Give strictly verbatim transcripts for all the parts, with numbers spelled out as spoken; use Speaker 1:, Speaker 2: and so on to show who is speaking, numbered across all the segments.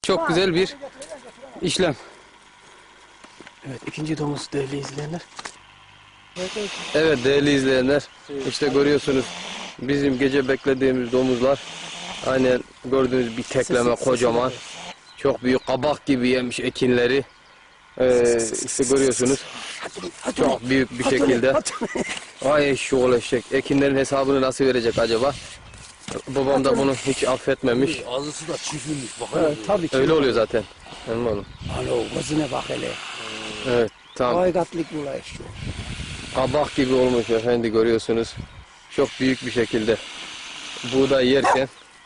Speaker 1: çok güzel bir işlem. Evet, ikinci domuz değerli izleyenler. Evet değerli izleyenler, işte görüyorsunuz bizim gece beklediğimiz domuzlar. Aynen gördüğünüz bir tekleme kocaman. Çok büyük kabak gibi yemiş ekinleri. Ee, işte görüyorsunuz. Çok büyük bir şekilde. Ay eşşoğlu eşek. Ekinlerin hesabını nasıl verecek acaba? Babam da bunu hiç affetmemiş.
Speaker 2: Ağzısı da çiftmiş.
Speaker 3: Evet, tabii ki.
Speaker 1: Öyle oluyor zaten. Anladın mı oğlum?
Speaker 3: Alo, gözüne bak hele.
Speaker 1: Evet tamam.
Speaker 3: Baygatlık bulay şu.
Speaker 1: Kabak gibi olmuş efendi, görüyorsunuz. Çok büyük bir şekilde. Buğday yerken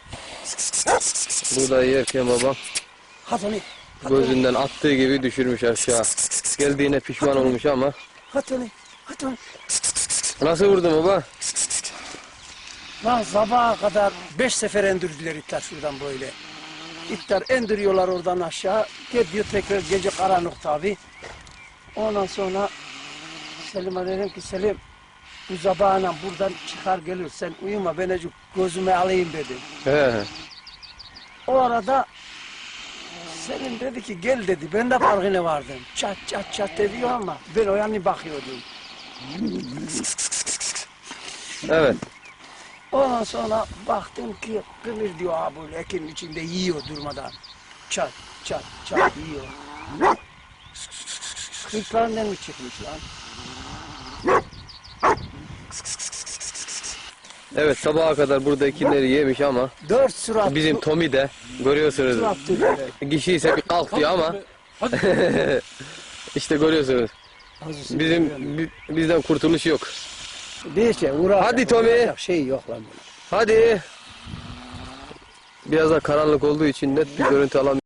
Speaker 1: buğday yerken babam
Speaker 3: Hatoni.
Speaker 1: gözünden attığı gibi düşürmüş aşağı. Geldiğine pişman olmuş ama.
Speaker 3: Hatoni. Hatoni.
Speaker 1: Nasıl vurdun baba?
Speaker 3: Lan sabaha kadar beş sefer endirdiler itler şuradan böyle. İtler endiriyorlar oradan aşağı. Gidiyor tekrar gece karanlık tabi. Ondan sonra Selim'e dedim ki Selim bu sabahına buradan çıkar gelir sen uyuma ben azıcık gözüme alayım dedim.
Speaker 1: He.
Speaker 3: O arada Selim dedi ki gel dedi ben de farkına vardım. Çat çat çat ediyor ama ben o yana bakıyordum.
Speaker 1: Evet.
Speaker 3: Ondan sonra baktım ki kımır diyor ha böyle ekinin içinde yiyor durmadan. Çat çat çat yiyor. Kırklarından mı çıkmış lan?
Speaker 1: Evet, sabaha kadar burada ekinleri yemiş ama
Speaker 3: Dört surat.
Speaker 1: bizim Tommy de görüyorsunuz.
Speaker 3: Surat tüfeği.
Speaker 1: Kişi ise bir kalk diyor ama işte görüyorsunuz. Bizim bi- bizden kurtuluş yok.
Speaker 3: Neyse uğraş.
Speaker 1: Hadi Tommy.
Speaker 3: uğraşacak şey yok lan.
Speaker 1: Hadi. Biraz da karanlık olduğu için net bir görüntü alamıyorum.